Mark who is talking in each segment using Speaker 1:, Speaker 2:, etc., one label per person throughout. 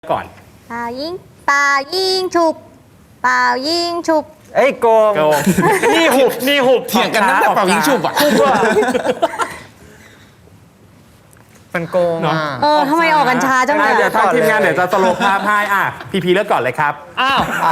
Speaker 1: ก่อน
Speaker 2: เป่ายิงเป่ายิงฉุบเป่ายิงฉุบ
Speaker 3: เอ้ยโกง
Speaker 1: โกงนี่หุบ
Speaker 4: เถียงกันตั้งแต่เป่ายิงฉุบอ่ะ
Speaker 3: มันโกงอ่ะ
Speaker 2: ทำไมออกกันช้าจังเลย
Speaker 1: เดี๋ยวทางทีมงานเดี๋ยวจะสโลว์ภาพให้พี่เลือกก่อนเลยครับ
Speaker 3: เอา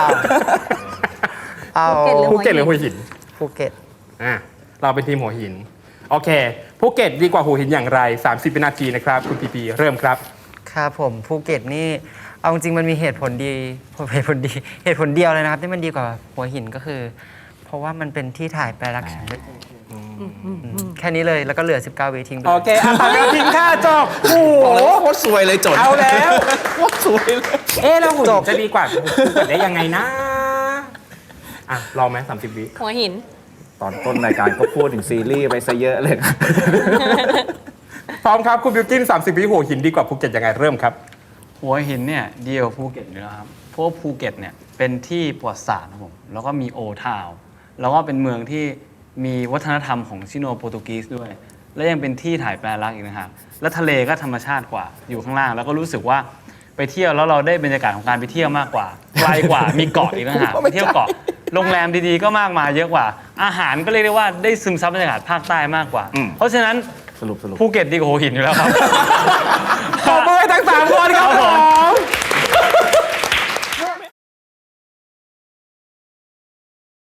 Speaker 1: ภูเก็ตหรือหัวหิน
Speaker 3: ภูเก็ต
Speaker 1: เราเป็นทีมหัวหินโอเคภูเก็ตดีกว่าหัวหินอย่างไร30วินาทีนะครับคุณพีเริ่มครับ
Speaker 3: ครับผมภูเก็ตนี่เอาจริงมันมีเหตุผลเดียวเลยนะครับที่มันดีกว่าหัวหินก็คือ เพราะว่ามันเป็นที่ถ่ายแปลรักฉันแค่นี้เลยแล้วก็เหลือ19วิทิ้งไป
Speaker 1: โอเคผ่านไปทิ้งค่าจบโอ้โห
Speaker 4: บอกเลยว่าโคตรสวยเลยจด
Speaker 1: เอาแล้ว
Speaker 4: โคตรสวยเลย
Speaker 1: แล้วหัวหินจะดีกว่าภูเก็ตได้ยังไงนะลองไหม30 วิ
Speaker 2: หัวหิน
Speaker 5: ตอนต้นรายการก็พูดถึงซีรีส์ไปซะเยอะเลยครับ
Speaker 1: พร้อมครับคุณบิวกิน30 วิหัวหินดีกว่าภูเก็ตยังไงเริ่มครับ
Speaker 6: หัวหินเนี่ยเดียวภูเก็ตอยู่แล้วครับเพราะว่าภูเก็ตเนี่ยเป็นที่ประวัติศาสตร์ครับผมแล้วก็มีโอทาวน์แล้วก็เป็นเมืองที่มีวัฒนธรรมของชิโนโปรตุกีสด้วย และยังเป็นที่ถ่ายแปลรักอีกนะครับและทะเลก็ธรรมชาติกว่าอยู่ข้างล่าง แล้วก็รู้สึกว่าไปเที่ยวแล้วเราได้บรรยากาศของการไปเที่ยวมากกว่าไกลกว่ามีเกาะอีกนะครับไปเที่ยวเกาะโรงแรมดีๆก็มากมายเยอะกว่า อาหารก็เรียกได้ว่าได้ซึมซับบรรยากาศภาคใต้มากกว่า เพราะฉะนั้น
Speaker 5: สรุป
Speaker 6: ภูเก็ตดีกว่าหัวหินอยู่แล้วครับ
Speaker 1: ขอบมือให้ทั้ง3คนครับผม